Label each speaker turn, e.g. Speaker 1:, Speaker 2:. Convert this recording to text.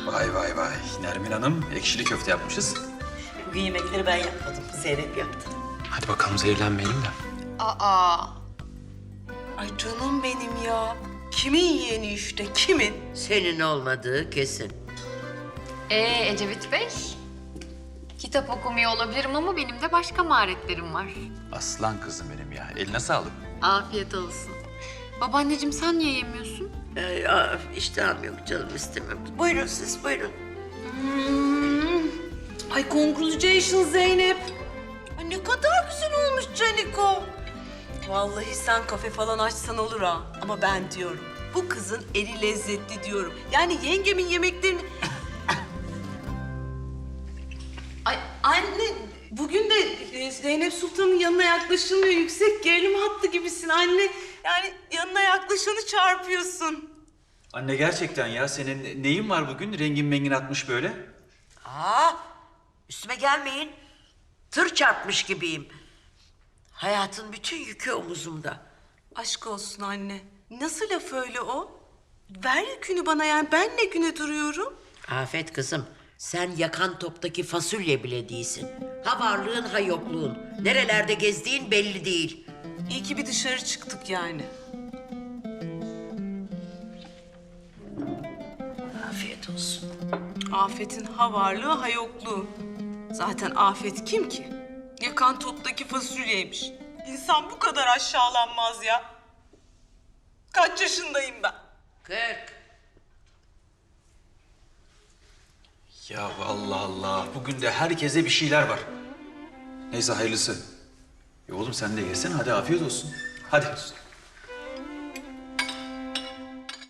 Speaker 1: Vay vay vay. Nermin Hanım ekşili köfte yapmışız.
Speaker 2: Bugün yemekleri ben yapmadım. Zeynep yaptı.
Speaker 1: Hadi bakalım zehirlenmeyelim de.
Speaker 2: Aa. Ay canım benim ya. Kimin yeğeni işte, kimin?
Speaker 3: Senin olmadığı kesin.
Speaker 4: Ecevit Bey, kitap okumuyor olabilirim ama benim de başka maharetlerim var.
Speaker 1: Aslan kızım benim ya. Eline sağlık.
Speaker 4: Afiyet olsun. Babaanneciğim sen niye yemiyorsun?
Speaker 3: İştahım yok canım, istemem. Buyurun siz, buyurun.
Speaker 2: Ay congratulations Zeynep. Ay ne kadar güzel olmuş Caniko. Vallahi sen kafe falan açsan olur ha. Ama ben diyorum, bu kızın eli lezzetli diyorum. Yani yengemin yemeklerini... Ay anne, bugün de Zeynep Sultan'ın yanına yaklaşılmıyor. Yüksek gerilim hattı gibisin anne. Yani yanına yaklaşanı çarpıyorsun.
Speaker 1: Anne gerçekten ya senin neyin var bugün? Rengin mengin atmış böyle.
Speaker 3: Üstüme gelmeyin. Tır çarpmış gibiyim. Hayatın bütün yükü omuzumda.
Speaker 2: Aşk olsun anne. Nasıl laf öyle o? Ver yükünü bana, yani ben ne güne duruyorum?
Speaker 3: Afet kızım, sen yakan toptaki fasulye bile değilsin. Ha varlığın ha yokluğun. Nerelerde gezdiğin belli değil.
Speaker 2: İyi ki bir dışarı çıktık yani.
Speaker 3: Afiyet olsun.
Speaker 2: Afet'in ha varlığı ha yokluğu. Zaten Afet kim ki? Yakan toptaki fasulyeymiş. İnsan bu kadar aşağılanmaz ya. Kaç yaşındayım ben?
Speaker 3: 40.
Speaker 1: Ya Allah Allah. Bugün de herkese bir şeyler var. Neyse hayırlısı. Oğlum sen de yesene hadi afiyet olsun. Hadi.